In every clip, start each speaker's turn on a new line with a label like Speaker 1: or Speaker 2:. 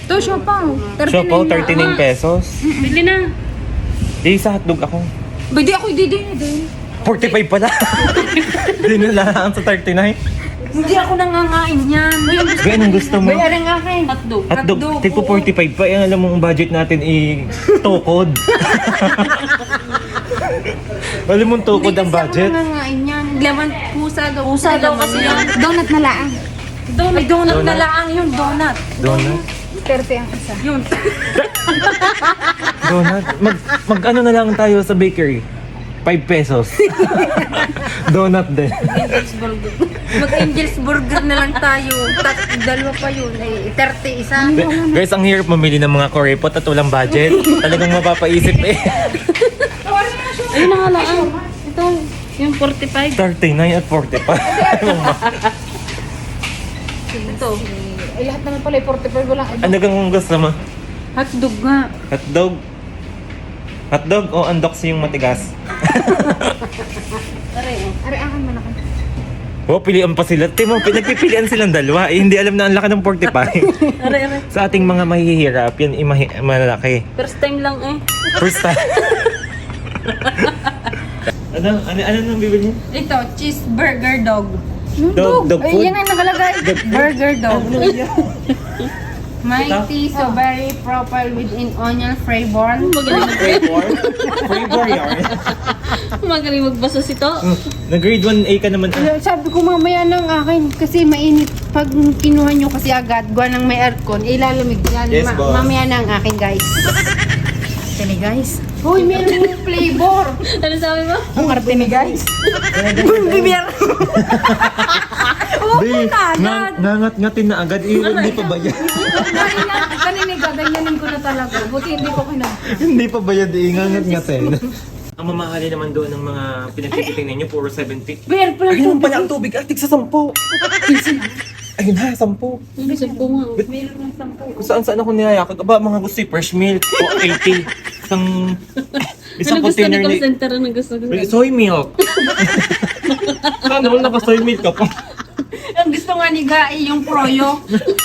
Speaker 1: Ito, siopaw. 39
Speaker 2: Siopaw,
Speaker 1: na.
Speaker 2: 39 pesos.
Speaker 3: Bili na.
Speaker 2: Di, sa hotdog ako.
Speaker 1: Ba, di ako ididin din.
Speaker 2: 45 pala. Di na lang sa 39.
Speaker 1: Hindi ako nangangain yan.
Speaker 2: Gaya, anong gusto mo?
Speaker 1: Bayaran nga akin.
Speaker 3: Hotdog.
Speaker 2: Hotdog,
Speaker 1: Hotdog,
Speaker 2: tipo
Speaker 1: oo.
Speaker 2: 45 pa. Yan, alam mo, ang budget natin tukod. Alam mo, tukod ang budget.
Speaker 1: Hindi kasi ako nangangain yan. Laman pusa daw.
Speaker 3: Pusa daw kasi yan.
Speaker 1: Donut na laang. Ay, donut na
Speaker 2: Donut.
Speaker 1: laang yun. Donut.
Speaker 2: Donut.
Speaker 1: 30 ang isa. Yun.
Speaker 2: Donut. Mag ano na lang tayo sa bakery. 5 pesos. Donut din.
Speaker 3: Angel's Burger.
Speaker 1: Mag-Angel's Burger na lang tayo. Dalawa pa yun. Ay, 30 isa.
Speaker 2: Guys, ang hirap mamili ng mga kuripot at walang budget. Talagang mapapaisip eh.
Speaker 3: Ayun na nga lang. Ito, yung 45.
Speaker 2: 39 at 45.
Speaker 3: Ito.
Speaker 1: Ay, lahat naman pala 45. Wala.
Speaker 2: Ano kang gusto mo?
Speaker 1: Hotdog nga.
Speaker 2: Hotdog? Hotdog o undox yung matigas?
Speaker 3: Aray, oh.
Speaker 1: Ari, akan mo na ka.
Speaker 2: Oh, pilihan pa sila. Timo, nagpipilian silang dalawa. Eh, hindi alam na ang laki ng 45.
Speaker 3: Aray, aray.
Speaker 2: Sa ating mga mahihirap, yan malaki.
Speaker 3: First time lang eh.
Speaker 2: First time. ano nang bibili?
Speaker 1: Ito, cheeseburger dog.
Speaker 2: Dog
Speaker 1: Ay,
Speaker 2: food?
Speaker 1: yan ang nakalagay. Burger dog.
Speaker 2: Ano yan?
Speaker 1: Mighty strawberry profile within onion flavor.
Speaker 3: Magaling,
Speaker 2: Flavor? Flavor yarn.
Speaker 3: magaling magbasa si to.
Speaker 2: Nag-grade 1A ka naman.
Speaker 1: Sabi ko mamaya ng akin kasi mainit. Pag kinuha nyo kasi agad, gawa ng may aircon, ilalamig yan.
Speaker 2: Yes, boss.
Speaker 1: Mamaya ng akin, guys. Arte ni guys. Hoy, meron yung flavor.
Speaker 3: Ano sabi mo?
Speaker 1: Ang arte ni guys. Bibir.
Speaker 2: Be, nangat-ngatin na agad. Hindi pa bayad.
Speaker 1: Kanina, gaganyanin ko na talaga. Buti hindi ko kinag...
Speaker 2: Hindi pa bayad. Ngangat-ngatin. Ang mamahali naman doon ng mga pinagtikiting ninyo, puro 70.
Speaker 1: Beer, pala
Speaker 2: Ayun pala ang tubig. Tig sa 10. Ayun na, 10.
Speaker 3: Hindi sa bunga.
Speaker 1: Meron ng 10.
Speaker 2: Kung saan ako niyayakag. Aba, mga gusto fresh milk. O 80. Isang
Speaker 3: Ano gusto ni
Speaker 2: container
Speaker 3: call
Speaker 2: ni...
Speaker 3: center? Ano gusto?
Speaker 2: Soy milk. Saan naman naka-soy milk ka pa?
Speaker 1: Ang gusto nga ni Gai, yung proyo.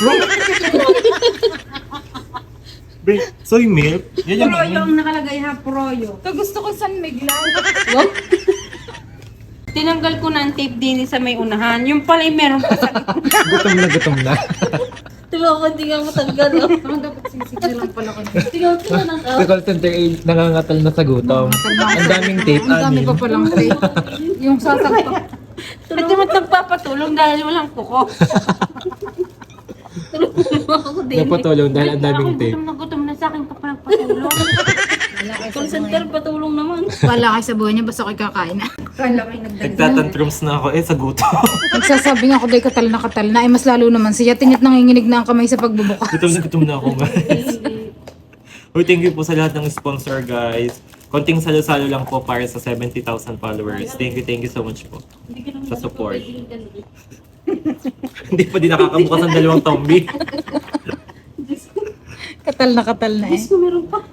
Speaker 2: Be, soy milk? Yan yung
Speaker 1: Proyo ang nakalagay ha, proyo. Ito gusto ko San Miguel.
Speaker 3: Wow.
Speaker 1: Tinanggal ko na ang tape din sa may unahan. Yung pala yung meron pa sa gitna.
Speaker 2: gutom na.
Speaker 3: Diba ako hindi nga matanggal. Oh.
Speaker 1: Ang dapat sisigil lang pala ko.
Speaker 3: Tingnan ko na
Speaker 2: Sa call center ay nangangatal na sa gutom. Ang daming tape,
Speaker 1: Ang dami
Speaker 2: anin.
Speaker 1: pa palang tape. Yung sasakto. At di mo nagpapatulong dahil walang kuko.
Speaker 3: ako din.
Speaker 2: Napatulong dahil ang daming tape.
Speaker 1: Gutom na sa akin ka pa nagpatulong.
Speaker 3: Call center patulong naman.
Speaker 1: Wala kayo sa buhay niya, basta ako'y kakain na. Kala ko'y
Speaker 2: Nagtatantrums na ako sa gutom.
Speaker 1: Nagsasabi nga ako day katal na. Ay mas lalo naman siya. Tingit nanginginig na ang kamay sa pagbubukas.
Speaker 2: Gutom na ako, guys. Uy, thank you po sa lahat ng sponsor, guys. Konting salo-salo lang po para sa 70,000 followers. Thank you so much po sa support. Hindi pa din nakakabukas ang dalawang tombi.
Speaker 1: Katal na eh.
Speaker 3: Gusto meron pa.